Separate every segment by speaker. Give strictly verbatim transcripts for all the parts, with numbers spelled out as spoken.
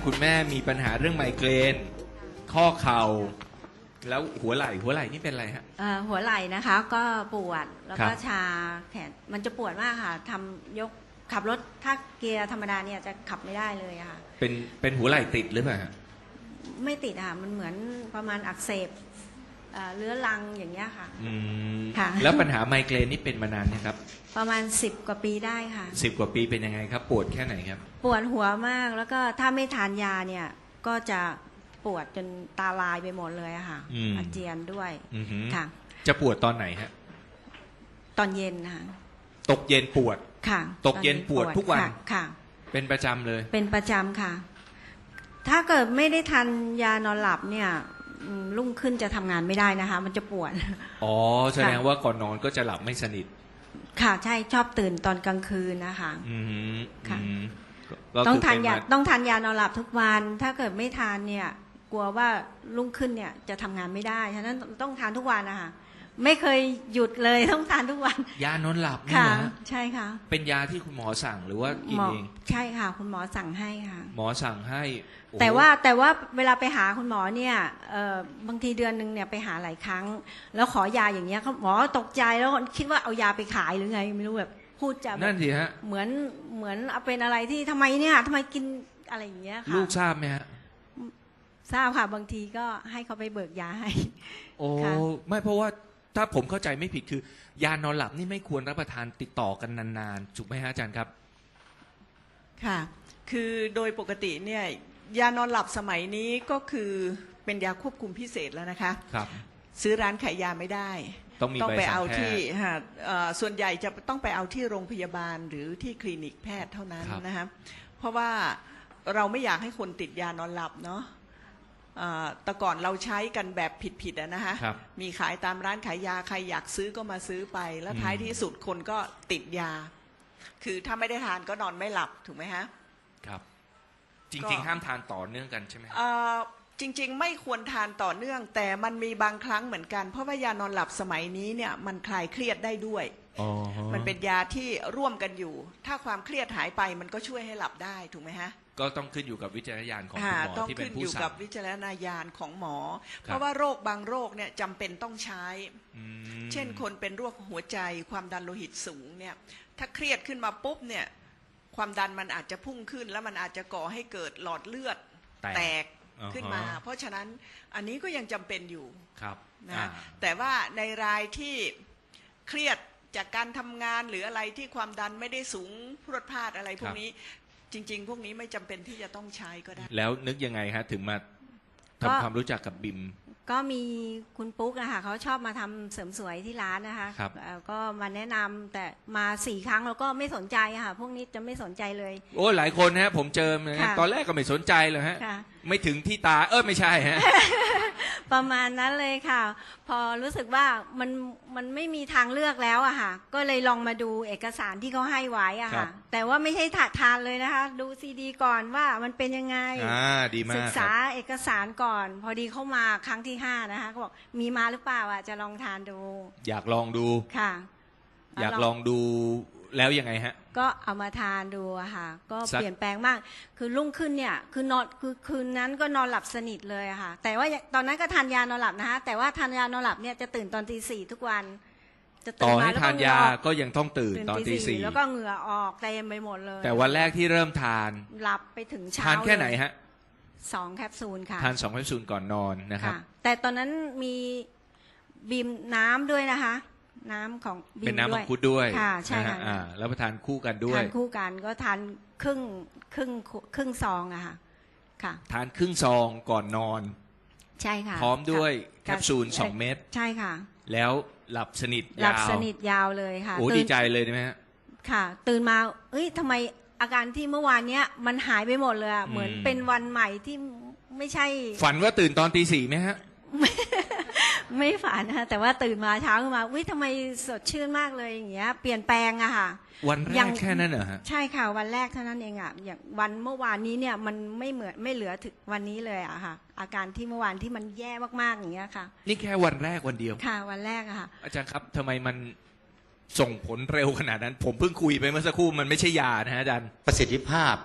Speaker 1: คุณแม่มีปัญหาเรื่องไมเกรนข้อเข่าแล้วหัวไหล่หัวไหล่นี่เป็นอะไรฮะ
Speaker 2: เอ่อหัวไหล่นะคะก็ปวดแล้วก็
Speaker 1: ครับ
Speaker 2: ชาแขนมันจะปวดมากค่ะทำยกขับรถถ้าเกียร์ธรรมดาเนี่ยจะขับไม่ได้เลยอะค่ะ
Speaker 1: เป็นเป็นหัวไหล่ติดหรือเปล่าฮะ
Speaker 2: ไม่ติดอะค่ะมันเหมือนประมาณอักเสบเอ่อเรื้อรังอย่างเงี้ยค่ะ
Speaker 1: อืม
Speaker 2: ค่ะ
Speaker 1: แล้วปัญหาไมเกรนนี่เป็นมานานนะครับ
Speaker 2: ประมาณสิบกว่าปีได้ค่ะ
Speaker 1: สิบกว่าปีเป็นยังไงครับ ปวดแค่ไหนครับ
Speaker 2: ปวดหัวมากแล้วก็ถ้าไม่ทานยาเนี่ยก็จะปวดจนตาลายไปหมดเลยอะค่ะ
Speaker 1: อืม
Speaker 2: อาเจียนด้วย
Speaker 1: อือหือ
Speaker 2: ค่ะ
Speaker 1: จะปวดตอนไหนฮะ
Speaker 2: ตอนเย็นนะคะ
Speaker 1: ตกเย็นปวด
Speaker 2: ค่ะ
Speaker 1: ตกเย็นปวดทุกวัน
Speaker 2: ค่ะค่ะ
Speaker 1: เป็นประจำเลย
Speaker 2: เป็นประจำค่ะ ถ้าเกิดไม่ได้ทานยานอนหลับเนี่ยอืมรุ่งขึ้นจะทำงานไม่ได้นะคะ มันจะปวด
Speaker 1: อ๋อแสดงว่าก่อนนอนก็จะหลับไม่สนิท
Speaker 2: ค่ะ ใช่ชอบตื่นตอนกลางคืนนะคะ
Speaker 1: อืม
Speaker 2: ค่ะ
Speaker 1: อืมก็
Speaker 2: ต้อง
Speaker 1: คื
Speaker 2: ทานยา
Speaker 1: เป็ม
Speaker 2: ต้องทานยานอนหลับทุกวัน ถ้าเกิดไม่ทานเนี่ย กลัวว่ารุ่งขึ้นเนี่ยจะทำงานไม่ได้ฉะนั้นต้องทานทุกวันนะคะไม่เคยหยุดเลยต้องทานทุกวัน
Speaker 1: ยานอนหลับนี่
Speaker 2: ค่ะ
Speaker 1: เหรอฮะ
Speaker 2: ใช่ค่ะ
Speaker 1: เป็นยาที่คุณหมอสั่งหรือว่ากิน
Speaker 2: หมอ
Speaker 1: เอง
Speaker 2: ใช่ค่ะ คุณหมอสั่งให้ค่ะ
Speaker 1: หมอสั่งให้โอ้โห
Speaker 2: แต่ว่าแต่ว่าเวลาไปหาคุณหมอเนี่ยเอ่อบางทีเดือนหนึ่งเนี่ยไปหาหลายครั้ง แล้วขอยาอย่างเงี้ยเขาหมอตกใจแล้วคิดว่าเอายาไปขายหรือไงไม่รู้แบบพูดจะแบ
Speaker 1: นั่
Speaker 2: บ
Speaker 1: นสิฮะ
Speaker 2: เหมือนเหมือนเอาเป็นอะไรที่ทำไมเนี่ยทำไมกินอะไรอย่างเงี้ยค่ะ
Speaker 1: ลูกทราบไหมฮะ
Speaker 2: ทราบค่ะบางทีก็ให้เขาไปเบิกยาให้
Speaker 1: โอ้
Speaker 2: ค่ะ
Speaker 1: ไม่เพราะว่าถ้าผมเข้าใจไม่ผิดคือ ยานอนหลับนี่ไม่ควรรับประทานติดต่อกันนานๆถูกไหมฮะอาจารย์ครับ
Speaker 3: ค่ะ คือโดยปกติเนี่ยยานอนหลับสมัยนี้ก็คือเป็นยาควบคุมพิเศษแล้วนะคะ
Speaker 1: ครับ
Speaker 3: ซื้อร้านขายยาไม่ได้
Speaker 1: ต้องมี
Speaker 3: ต้อง
Speaker 1: ใบ
Speaker 3: ไป
Speaker 1: สั่
Speaker 3: เอา
Speaker 1: งแพ
Speaker 3: ที่
Speaker 1: ทย์
Speaker 3: ฮะเอ่อส่วนใหญ่จะต้องไปเอาที่โรงพยาบาลหรือที่คลินิกแพทย์เท่านั้น
Speaker 1: ครับ
Speaker 3: นะคะเพราะว่าเราไม่อยากให้คนติดยานอนหลับเนาะเอ่อแต่ก่อนเราใช้กันแบบผิดๆอะนะคะ
Speaker 1: ครับ
Speaker 3: มีขายตามร้านขายยาใครอยากซื้อก็มาซื้อไป แล้ว
Speaker 1: อืม
Speaker 3: ท้ายที่สุดคนก็ติดยา คือถ้าไม่ได้ทานก็นอนไม่หลับถูกไหมฮะ
Speaker 1: ครับ จ
Speaker 3: ก็
Speaker 1: ริงๆ ห้ามทานต่อเนื่องกันใช่ไหมฮะ
Speaker 3: เอ่อจริงๆ ไม่ควรทานต่อเนื่อง แต่มันมีบางครั้งเหมือนกัน เพราะว่ายานอนหลับสมัยนี้เนี่ยมันคลายเครียดได้ด้วย
Speaker 1: อ๋อฮะ
Speaker 3: มันเป็นยาที่ร่วมกันอยู่ ถ้าความเครียดหายไปมันก็ช่วยให้หลับได้ถูกไหมฮะ
Speaker 1: ก็ต้องขึ้นอยู่กับวิจารณญาณของคุณ
Speaker 3: อ่า
Speaker 1: หมอ
Speaker 3: ต้อง
Speaker 1: ที่เป็
Speaker 3: ขึ้
Speaker 1: น
Speaker 3: น
Speaker 1: ผู้
Speaker 3: อยู่
Speaker 1: สั่
Speaker 3: กับ
Speaker 1: ง
Speaker 3: วิจารณญาณของหมอ
Speaker 1: ครับ
Speaker 3: เพราะว่าโรคบางโรคเนี่ยจำเป็นต้องใช้
Speaker 1: อืม
Speaker 3: เช่นคนเป็นโรคหัวใจความดันโลหิตสูงเนี่ยถ้าเครียดขึ้นมาปุ๊บเนี่ยความดันมันอาจจะพุ่งขึ้น แล้วมันอาจจะก่อให้เกิดหลอดเลือด
Speaker 1: แตก
Speaker 3: แตก
Speaker 1: อ่าฮะ
Speaker 3: ขึ้นมา เพราะฉะนั้นอันนี้ก็ยังจำเป็นอยู่
Speaker 1: ครับ
Speaker 3: นะ
Speaker 1: อ่า
Speaker 3: แต่ว่าในรายที่เครียดจากการทำงานหรืออะไรที่ความดันไม่ได้สูงพรวดพลาดอะไรพวกนี้จริง ๆ พวกนี้ไม่จำเป็นที่จะต้องใช้ก็ได้
Speaker 1: แล้วนึกยังไงฮะ ถึงมา
Speaker 2: ก็
Speaker 1: ทำความรู้จักกับบิม
Speaker 2: ก็มีคุณปุ๊กนะคะเขาชอบมาทำเสริมสวยที่ร้านนะคะ
Speaker 1: ครับ
Speaker 2: เอ่อก็มาแนะนำแต่มาสี่ครั้งแล้วก็ไม่สนใจอะค่ะ พวกนี้จะไม่สนใจเลย
Speaker 1: โอ้หลายคนฮะ ผมเจอนะฮะ
Speaker 2: ค่ะ
Speaker 1: ตอนแรกก็ไม่สนใจเลยฮะ
Speaker 2: ค่ะ
Speaker 1: ไม่ถึงที่ตา เออไม่ใช่ฮะ
Speaker 2: ประมาณนั้นเลยค่ะ พอรู้สึกว่ามันมันไม่มีทางเลือกแล้วอะค่ะ ก็เลยลองมาดูเอกสารที่เขาให้ไว้อะ
Speaker 1: ครั
Speaker 2: ค่ะ
Speaker 1: บ
Speaker 2: แต่ว่าไม่ใช่ถาทานเลยนะคะ ดูซีดีก่อนว่ามันเป็นยังไง
Speaker 1: อ่าดีมา
Speaker 2: ศึ
Speaker 1: ก
Speaker 2: ก
Speaker 1: ค
Speaker 2: ษา
Speaker 1: รับ
Speaker 2: เอกสารก่อน พอดีเข้ามาครั้งที่ห้านะคะก็บอกมีมาหรือเปล่าอ่ะจะลองทานดู
Speaker 1: อยากลองดู
Speaker 2: ค่ะ
Speaker 1: อยากลองดูแล้วยังไงฮะ
Speaker 2: ก็เอามาทานดูอะค่ะ ก็
Speaker 1: สัก
Speaker 2: เปลี่ยนแปลงมาก คือรุ่งขึ้นเนี่ยคือนอนคือคืนนั้นก็นอนหลับสนิทเลยอะค่ะ แต่ว่าตอนนั้นก็ทานยานอนหลับนะคะแต่ว่าทานยานอนหลับเนี่ยจะตื่นตอนตีสี่ทุกวัน จะ
Speaker 1: ต่
Speaker 2: ตื่
Speaker 1: อน
Speaker 2: มา
Speaker 1: ให้
Speaker 2: แล้ว
Speaker 1: ทา
Speaker 2: ก็
Speaker 1: น
Speaker 2: เหงื่อย
Speaker 1: า
Speaker 2: ออก
Speaker 1: ก็ยังต้องตื่นตอนตีสี่
Speaker 2: แล้วก็เหงื่อออกเต็มไปหมดเลย
Speaker 1: แต่วันแรกที่เริ่มทาน
Speaker 2: หลับไปถึงเช้า
Speaker 1: ทานแค่ไหน
Speaker 2: เลย
Speaker 1: ฮะ
Speaker 2: สองแคปซูลค่ะ
Speaker 1: ทานสองแคปซูลก่อนนอนนะครับ
Speaker 2: ค่ะแต่ตอนนั้นมีบีมน้ำด้วยนะคะ น้ำของบีม
Speaker 1: เป็นน้ำ
Speaker 2: ด้
Speaker 1: มั
Speaker 2: ว
Speaker 1: ง
Speaker 2: ย
Speaker 1: คุดด้วย
Speaker 2: ค่ะใช่
Speaker 1: นฮ
Speaker 2: ค่ะ
Speaker 1: อ่าแล้วมาทานคู่กันด้วย
Speaker 2: ทานคู่กันก็ทานครึ่งครึ่งครึ่งซองอะค่ะค่ะ
Speaker 1: ทานครึ่งซองก่อนนอน
Speaker 2: ใช่ค่ะ
Speaker 1: พร้อมด้วย
Speaker 2: ะ
Speaker 1: แคปซูลสองเม็ด
Speaker 2: ใช่ค่ะ
Speaker 1: แล้วหลับสนิท
Speaker 2: หลั
Speaker 1: ยา
Speaker 2: บ
Speaker 1: ว
Speaker 2: สนิทยาวเลยค่ะ
Speaker 1: โอ้
Speaker 2: ตื่น
Speaker 1: ดีใจเลยใช่ไหมฮะ
Speaker 2: ค่ะ ตื่นมาเอ้ยทำไมอาการที่เมื่อวานเนี้ยมันหายไปหมดเลยอะ
Speaker 1: อืม
Speaker 2: เหมือนเป็นวันใหม่ที่ไม่ใช่
Speaker 1: ฝันว่าตื่นตอนตีสี่ไหมฮะ
Speaker 2: ไม่ฝันนะคะแต่ว่าตื่นมาเช้าขึ้นมาวิทำไมสดชื่นมากเลยอย่างเงี้ยเปลี่ยนแปลงอะค่ะ
Speaker 1: วันแร
Speaker 2: ยั
Speaker 1: ก
Speaker 2: ง
Speaker 1: แค่นั้นเหรอฮะ
Speaker 2: ใช่ค่ะวันแรกเท่านั้นเองอะอย่างวันเมื่อวานนี้เนี่ยมันไม่เหมือนไม่เหลือถึงวันนี้เลยอะค่ะ อาการที่เมื่อวานที่มันแย่มากๆอย่างเงี้ยค่ะ
Speaker 1: นี่แค่วันแรกวันเดียว
Speaker 2: ค่ะวันแรกอะค่ะ
Speaker 1: อาจารย์ครับทำไมมันส่งผลเร็วขนาดนั้น ผมเพิ่งคุยไปเมื่อสักครู่มันไม่ใช่ยานะฮะอาจารย์
Speaker 4: ประสิทธิภาพ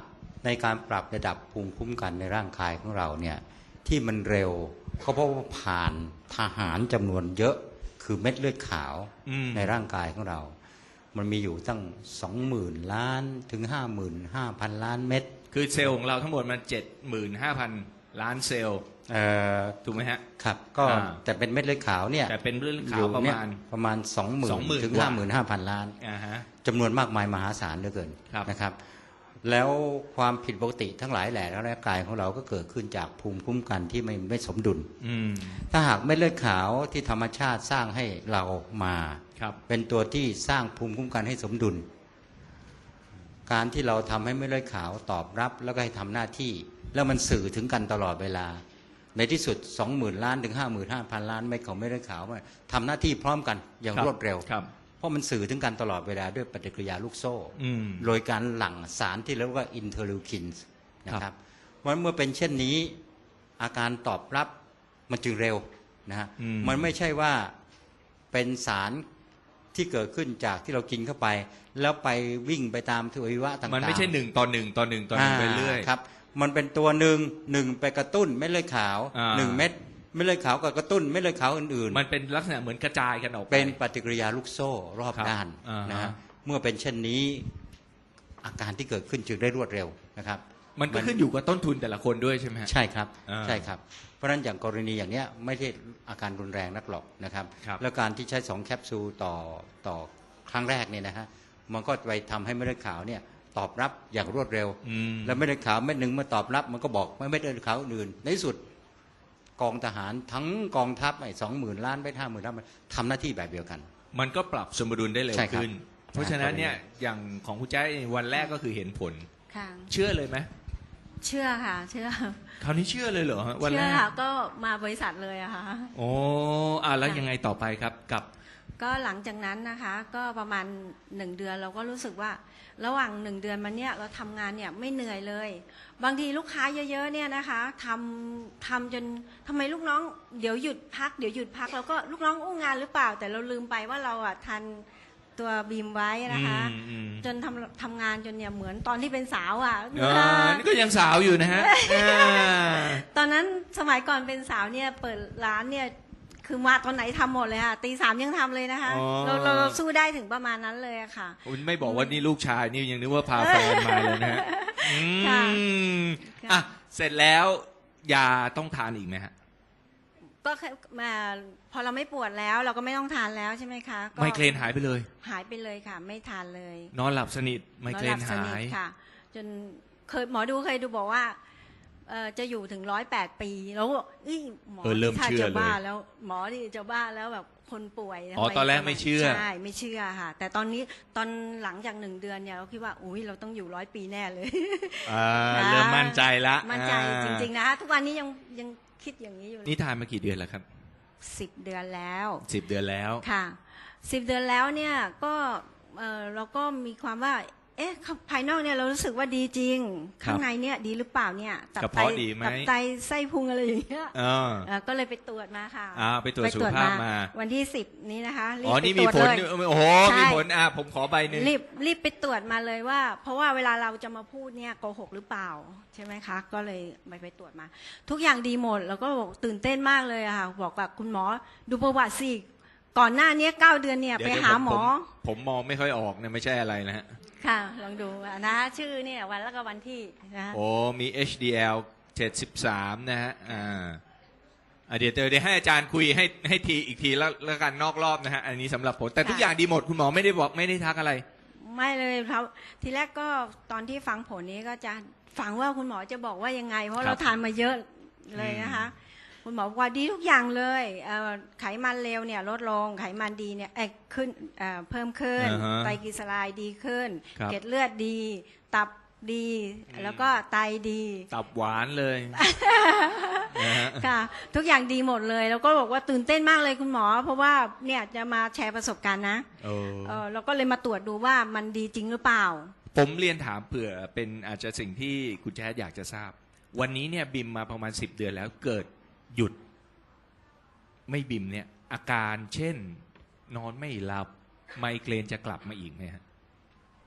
Speaker 4: ในการปรับระดับภูมิคุ้มกันในร่างกายของเราเนี่ยที่มันเร็วก็เพราะว่าผ่านทหารจำนวนเยอะคือเม็ดเลือดขาว
Speaker 1: อืม
Speaker 4: ในร่างกายของเรา มันมีอยู่ตั้งสองหมื่นล้านถึงห้าหมื่นห้าพันล้านเม็ด
Speaker 1: คือเซลล์ของเราทั้งหมดมันเจ็ดหมื่นห้าพันล้านเซลล์
Speaker 4: เอ่อ
Speaker 1: ถูกไหมฮะ
Speaker 4: ครับก็
Speaker 1: อ่า
Speaker 4: แต่เป็นเม็ดเลือดขาวเนี่ย
Speaker 1: แต่เป็นเรื่อง
Speaker 4: อ
Speaker 1: ข่าว
Speaker 4: ยู่
Speaker 1: ประ
Speaker 4: เนี่ย
Speaker 1: มาณ
Speaker 4: ประมาณสองหมื่น
Speaker 1: สองหมื่น
Speaker 4: ถึง
Speaker 1: กว่า
Speaker 4: ห้าหมื่นห้าพันล้าน
Speaker 1: อ่าฮะ
Speaker 4: จำนวนมากมายมหาศาลเหลือเกิน
Speaker 1: ครับ
Speaker 4: นะครับ แล้วความผิดปกติทั้งหลายแหล่ในร่างกายของเราก็เกิดขึ้นจากภูมิคุ้มกันที่ไม่ไม่สมดุล
Speaker 1: อืม
Speaker 4: ถ้าหากเม็ดเลือดขาวที่ธรรมชาติสร้างให้เรามา
Speaker 1: ครับ
Speaker 4: เป็นตัวที่สร้างภูมิคุ้มกันให้สมดุล การที่เราทำให้เม็ดเลือดขาวตอบรับแล้วก็ให้ทำหน้าที่ แล้วมันสื่อถึงกันตลอดเวลา ในที่สุด สองหมื่น ล้านถึง ห้าหมื่นห้าพัน ล้านเม็ดของเม็ดเลือดขาวมันทำหน้าที่พร้อมกันอย่าง
Speaker 1: ครับ
Speaker 4: รวดเร็ว
Speaker 1: ครับ
Speaker 4: เพราะมันสื่อถึงกันตลอดเวลาด้วยปฏิกิริยาลูกโซ่
Speaker 1: อืม
Speaker 4: โดยการหลั่งสารที่เรียกว่าอินเทอร์ลิวคินส์นะครับเพราะฉะนั้นเมื่อเป็นเช่นนี้อาการตอบรับมันจึงเร็วนะฮะ
Speaker 1: อืม
Speaker 4: มันไม่ใช่ว่าเป็นสารที่เกิดขึ้นจากที่เรากินเข้าไป แล้วไปวิ่งไปตามทวัยวะต่างๆ
Speaker 1: มันไม่ใช่หนึ่งต่อหนึ่งต่อหนึ่งต่อหนึ่งไปเรื่อย
Speaker 4: าครับมันเป็นตัวหนึ่งหนึ่งไปกระตุ้นเม็ดเลือดขาว
Speaker 1: อ่า
Speaker 4: หนึ่งเม็ดเม็ดเลือดขาวกับกระตุ้นเม็ดเลือดขาวอื่นๆ
Speaker 1: มันเป็นลักษณะเหมือนกระจายกันออกไป
Speaker 4: เป็นปฏิกิริยาลูกโซ่รอบ
Speaker 1: ครับ
Speaker 4: ด้าน
Speaker 1: อ่าฮะ
Speaker 4: นะฮะเมื่อเป็นเช่นนี้อาการที่เกิดขึ้นจึงได้รวดเร็วนะครับ
Speaker 1: มันก็ขึ้นอยู่กับต้นทุนแต่ละคนด้วยใช่ไหมฮะ
Speaker 4: ใช่ครับ
Speaker 1: อ่า
Speaker 4: ใช่ครับ เพราะฉะนั้นอย่างกรณีอย่างเนี้ยไม่ได้อาการรุนแรงนักหรอกนะครับ
Speaker 1: ครับ
Speaker 4: แล้วการที่ใช้สองแคปซูลต่อต่อครั้งแรกเนี่ยนะฮะมันก็ไปทำให้เม็ดเลือดขาวเนี่ยตอบรับอย่างรวดเร็ว
Speaker 1: อืม
Speaker 4: แล้วเม็ดเลือดขาวเม็ดหนึ่งมาตอบรับมันก็บอกไม่เม็ดเลือดขาวอื่นในที่สุดกองทหารทั้งกองทัพไอ้สองหมื่นล้านไปห้าหมื่นล้านมันทำหน้าที่แบบเดียวกัน
Speaker 1: มันก็ปรับสมดุลได้เร็ว
Speaker 4: ใช่ครับ
Speaker 1: ขึ้น เพราะฉะนั้นเนี่ยอย่างของคุณแจ้วันแรกก็คือเห็นผล
Speaker 2: ค่ะ
Speaker 1: เชื่อเลยไหม
Speaker 2: เชื่อค่ะ เชื่อ
Speaker 1: คราวนี้เชื่อเลยเหรอฮะวัน
Speaker 2: เชื่
Speaker 1: แร
Speaker 2: อก ค่ะก็มาบริษัทเลยอะค่ะ
Speaker 1: โอ้อ่ะแล้วยังไงต่อไปครับกับ
Speaker 2: ก็หลังจากนั้นนะคะ ก็ประมาณหนึ่งเดือนเราก็รู้สึกว่า ระหว่างหนึ่งเดือนมาเนี่ยเราทำงานเนี่ยไม่เหนื่อยเลย บางทีลูกค้าเยอะๆเนี่ยนะคะทำทำจนทำไมลูกน้องเดี๋ยวหยุดพักเดี๋ยวหยุดพักเราก็ลูกน้องอู้งานหรือเปล่า แต่เราลืมไปว่าเราอ่ะทันตัวบีมไว้นะคะ
Speaker 1: อืมอืม
Speaker 2: จนทำทำงานจนเนี่ยเหมือนตอนที่เป็นสาวอ่ะ
Speaker 1: อ่านี่ก็ยังสาวอยู่นะฮะอ่า
Speaker 2: ตอนนั้นสมัยก่อนเป็นสาวเนี่ยเปิดร้านเนี่ยคือมาตอนไหนทำหมดเลยค่ะตีสามยังทำเลยนะคะ
Speaker 1: อ๋อ
Speaker 2: เราเราเราสู้ได้ถึงประมาณนั้นเลยอะค่ะ
Speaker 1: คุณไม่บอกว่านี่ลูกชายนี่ยังนึกว่าพาแฟนมาเลยนะฮะอื
Speaker 2: ค่ะ
Speaker 1: ม
Speaker 2: ค่ะ
Speaker 1: อ่ะเสร็จแล้วยาต้องทานอีกไหมฮะ
Speaker 2: ก็แค่มาพอเราไม่ปวดแล้วเราก็ไม่ต้องทานแล้วใช่ไหมคะก็
Speaker 1: ไมเกรนหายไปเลย
Speaker 2: หายไปเลยค่ะ ไม่ทานเลย
Speaker 1: นอนหลับสนิทไมเกร
Speaker 2: น
Speaker 1: น
Speaker 2: อนหลับส
Speaker 1: หา
Speaker 2: นิท
Speaker 1: ย
Speaker 2: ค่ะ จนเคยหมอดูเคยดูบอกว่าเอ่อจะอยู่ถึงร้อยแปดปีแล้วก็เอ้ยหมอ
Speaker 1: เออเริ่ม
Speaker 2: ถ้า
Speaker 1: เชื่อ
Speaker 2: จะ
Speaker 1: เลย
Speaker 2: บ้าแล้วหมอที่จะบ้าแล้วแบบคนป่วย
Speaker 1: อ๋อ
Speaker 2: ทำ
Speaker 1: ตอนแรกไม่เชื่อ
Speaker 2: ใช่ไม่เชื่อค่ะ แต่ตอนนี้ตอนหลังจากหนึ่งเดือนเนี่ยเราคิดว่าอุ้ยเราต้องอยู่ร้อยปีแน่เลย
Speaker 1: อ่า
Speaker 2: นะ
Speaker 1: เริ่มมั่นใจละ
Speaker 2: มั่นใจ
Speaker 1: อ่า
Speaker 2: จริงๆนะคะทุกวันนี้ยังยังคิดอย่างนี้อยู่เลย
Speaker 1: นี่ทานมากี่เดือนแล้วครับ
Speaker 2: สิบเดือนแล้ว
Speaker 1: สิบเดือนแล้ว
Speaker 2: ค่ะสิบเดือนแล้วเนี่ยก็เออเราก็มีความว่า เอ๊ะภายนอกเนี่ยเรารู้สึกว่าดีจริง
Speaker 1: ครับ
Speaker 2: ข้างในเนี่ยดีหรือเปล่าเนี่ยตั
Speaker 1: กระ
Speaker 2: ไต
Speaker 1: เพาะดีไหม
Speaker 2: ตับไตไส้พุงอะไรอย่างเงี้ย
Speaker 1: เออ
Speaker 2: เอ่อก็เลยไปตรวจมาค่ะ
Speaker 1: อ่าไปตรวจสุขภาพมา
Speaker 2: วันที่สิบนี้นะคะรีบ
Speaker 1: อ๋อ
Speaker 2: ไป
Speaker 1: นี่
Speaker 2: ต
Speaker 1: มี
Speaker 2: รวจ
Speaker 1: ผล
Speaker 2: เลย
Speaker 1: โอ้โห
Speaker 2: ใช่
Speaker 1: มีผลอ่ะผมขอใบหนึ่ง
Speaker 2: รีบรีบไปตรวจมาเลยว่า เพราะว่าเวลาเราจะมาพูดเนี่ยโกหกหรือเปล่าใช่ไหมคะ ก็เลยไปไปตรวจมา ทุกอย่างดีหมดแล้วก็บอกตื่นเต้นมากเลยอะค่ะบอกกับคุณหมอดูประวัติสิก่อนหน้านี้เก้าเดือนเนี่ย
Speaker 1: เดี๋ยว
Speaker 2: ไป
Speaker 1: เดี๋ยว
Speaker 2: หา
Speaker 1: ผม
Speaker 2: หมอ
Speaker 1: ผมผมมองไม่ค่อยออกเนี่ยไม่ใช่อะไรนะฮะ
Speaker 2: ค่ะลองดูนะคะชื่อเนี่ยวันแล้วก็วันที่นะคะ
Speaker 1: โอ้มี เอช ดี แอล เจ็ดสิบสามนะฮะอ่าอ่ะเดี๋ยวเดี๋ยวเดี๋ยวให้อาจารย์คุยให้ให้ทีอีกทีแล้วแล้วกันนอกรอบนะฮะอันนี้สำหรับผมแต่ทุกอย่างดีหมดคุณหมอไม่ได้บอกไม่ได้ทักอะไร
Speaker 2: ไม่เลยครับทีแรกก็ตอนที่ฟังผลนี้ก็จะฟังว่าคุณหมอจะบอกว่ายังไง เพราะเราทานมาเยอะเลยนะคะ คุณหมอบอกว่าดีทุกอย่างเลยเอ่อไขมันเลวเนี่ยลดลงไขมันดีเนี่ยเอ้ยขึ้นเอ่อเพิ่มขึ้น
Speaker 1: อ่าฮะ
Speaker 2: ไตรกลีเซอไรด์ดีขึ้น
Speaker 1: ครับ
Speaker 2: เกล็ดเลือดดี ตับดี แล้วก็ไตดี
Speaker 1: ตับหวานเลยนะฮะ
Speaker 2: ค่ะ ทุกอย่างดีหมดเลย แล้วก็บอกว่าตื่นเต้นมากเลยคุณหมอ เพราะว่าเนี่ยจะมาแชร์ประสบการณ์นะ
Speaker 1: โอ้
Speaker 2: เออเราก็เลยมาตรวจดูว่ามันดีจริงหรือเปล่า
Speaker 1: ผมเรียนถามเผื่อเป็นอาจจะสิ่งที่คุณแจ๊ดอยากจะทราบ วันนี้เนี่ยบิมมาประมาณสิบเดือนแล้วเกิดหยุด ไม่บิมเนี่ย อาการเช่น นอนไม่หลับไมเกรนจะกลับมาอีกไหมฮะ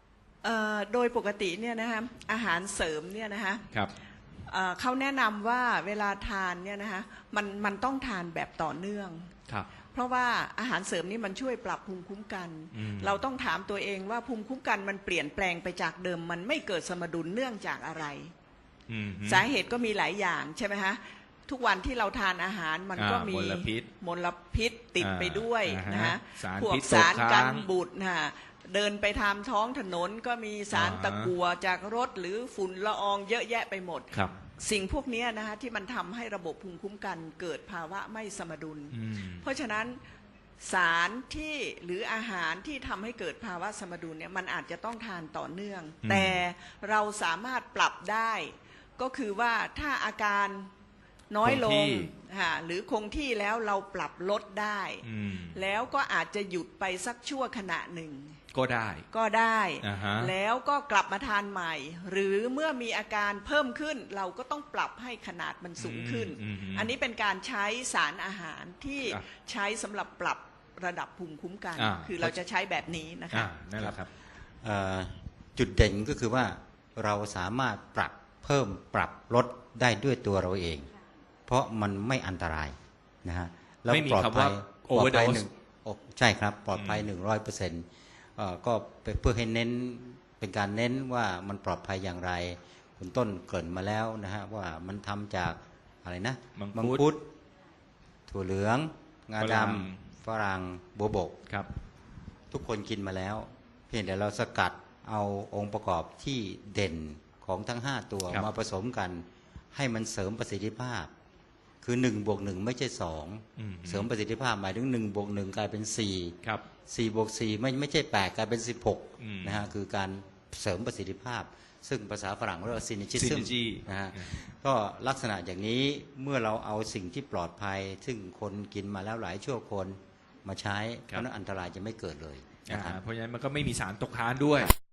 Speaker 3: เอ่อโดยปกติเนี่ยนะคะอาหารเสริมเนี่ยนะคะ
Speaker 1: ครับ
Speaker 3: เอ่อเขาแนะนำว่าเวลาทานเนี่ยนะคะมันมันต้องทานแบบต่อเนื่อง
Speaker 1: ครับ
Speaker 3: เพราะว่าอาหารเสริมนี่มันช่วยปรับภูมิคุ้มกัน
Speaker 1: อืม
Speaker 3: เราต้องถามตัวเองว่าภูมิคุ้มกันมันเปลี่ยนแปลงไปจากเดิม มันไม่เกิดสมดุลเนื่องจากอะไร
Speaker 1: อืม
Speaker 3: สาเหตุก็มีหลายอย่างใช่ไหมคะทุกวันที่เราทานอาหารมันก็
Speaker 1: อ่า
Speaker 3: มี
Speaker 1: มลพิษ
Speaker 3: มลพิษติดไปด้วย
Speaker 1: อ่า
Speaker 3: นะ
Speaker 1: ฮะ
Speaker 3: ฮะ
Speaker 1: สาร
Speaker 3: พวก
Speaker 1: พิษ
Speaker 3: สาร
Speaker 1: ตกค้าง
Speaker 3: กันบูดนะฮะเดินไปทางท้องถนนก็มีสาร
Speaker 1: อ่าฮะ
Speaker 3: ตะกั่วจากรถหรือฝุ่นละอองเยอะแยะไปหมด
Speaker 1: ครับ
Speaker 3: สิ่งพวกนี้นะฮะที่มันทำให้ระบบภูมิคุ้มกันเกิดภาวะไม่สมดุล
Speaker 1: อืม
Speaker 3: เพราะฉะนั้นสารที่หรืออาหารที่ทำให้เกิดภาวะสมดุลเนี่ยมันอาจจะต้องทานต่อเนื่อง
Speaker 1: อืม
Speaker 3: แต่เราสามารถปรับได้ ก็คือว่าถ้าอาการน้อยล
Speaker 1: คงที่
Speaker 3: งค่ะหรือคงที่แล้วเราปรับลดได้
Speaker 1: อืม
Speaker 3: แล้วก็อาจจะหยุดไปสักชั่วขณะหนึ่ง
Speaker 1: ก็ได้
Speaker 3: ก็ได้
Speaker 1: อ่าฮะ
Speaker 3: แล้วก็กลับมาทานใหม่ หรือเมื่อมีอาการเพิ่มขึ้น เราก็ต้องปรับให้ขนาดมันสูงขึ้น
Speaker 1: อืมอืม
Speaker 3: อันนี้เป็นการใช้สารอาหารที่
Speaker 1: ครับ
Speaker 3: ใช้สำหรับปรับระดับภูมิคุ้มกัน
Speaker 1: อ่า
Speaker 3: คือเราจะใช้แบบนี้นะคะ
Speaker 1: อ่านั่นแหละครับ
Speaker 4: เอ่อจุดเด่นก็คือว่าเราสามารถปรับเพิ่มปรับลดได้ด้วยตัวเราเอง เพราะมันไม่อันตรายนะฮะแล้ว
Speaker 1: ไม่มี
Speaker 4: ปลอด
Speaker 1: คำ
Speaker 4: ภั
Speaker 1: ว่าย
Speaker 4: ปลอดภัย
Speaker 1: overdose
Speaker 4: หนึ่งโอ้ใช่ครับปลอดภัยหนึ่งร้อยเปอร์เซ็นต์ก็เพื่อให้เน้นเป็นการเน้นว่ามันปลอดภัยอย่างไร คุณต้นเกริ่นมาแล้วนะฮะว่ามันทำจากอะไรนะ
Speaker 1: มังคุด
Speaker 4: ดถั่วเหลือง งา
Speaker 1: ฝ
Speaker 4: ด
Speaker 1: รั่ง
Speaker 4: ำฝรั่งโบวบก
Speaker 1: ครับ
Speaker 4: ทุกคนกินมาแล้ว เพียงแต่เราสกัดเอาองค์ประกอบที่เด่นของทั้งห้าตัว
Speaker 1: ครับ
Speaker 4: มาผสมกัน ให้มันเสริมประสิทธิภาพ คือหนึ่งบวกหนึ่งไม่ใช่สอง
Speaker 1: อืม
Speaker 4: เสริมประสิทธิภาพหมายถึงหนึ่งบวกหนึ่งกลายเป็นสี่
Speaker 1: ครับ
Speaker 4: สี่บวกสี่ไม่ไม่ใช่แปดกลายเป็นสิบหก
Speaker 1: อืม
Speaker 4: นะฮะคือการเสริมประสิทธิภาพ ซึ่งภาษาฝรั่งเรียกว่าซินิจิซึม
Speaker 1: synergy
Speaker 4: นะฮะ
Speaker 1: อืม
Speaker 4: ก็ลักษณะอย่างนี้เมื่อเราเอาสิ่งที่ปลอดภัย ซึ่งคนกินมาแล้วหลายชั่วคนมาใช้เพราะฉะนั้นอันตรายจะไม่เกิดเลย
Speaker 1: อ่า
Speaker 4: นะครับ
Speaker 1: เพราะฉะนั้นมันก็ไม่มีสารตกค้างด้วย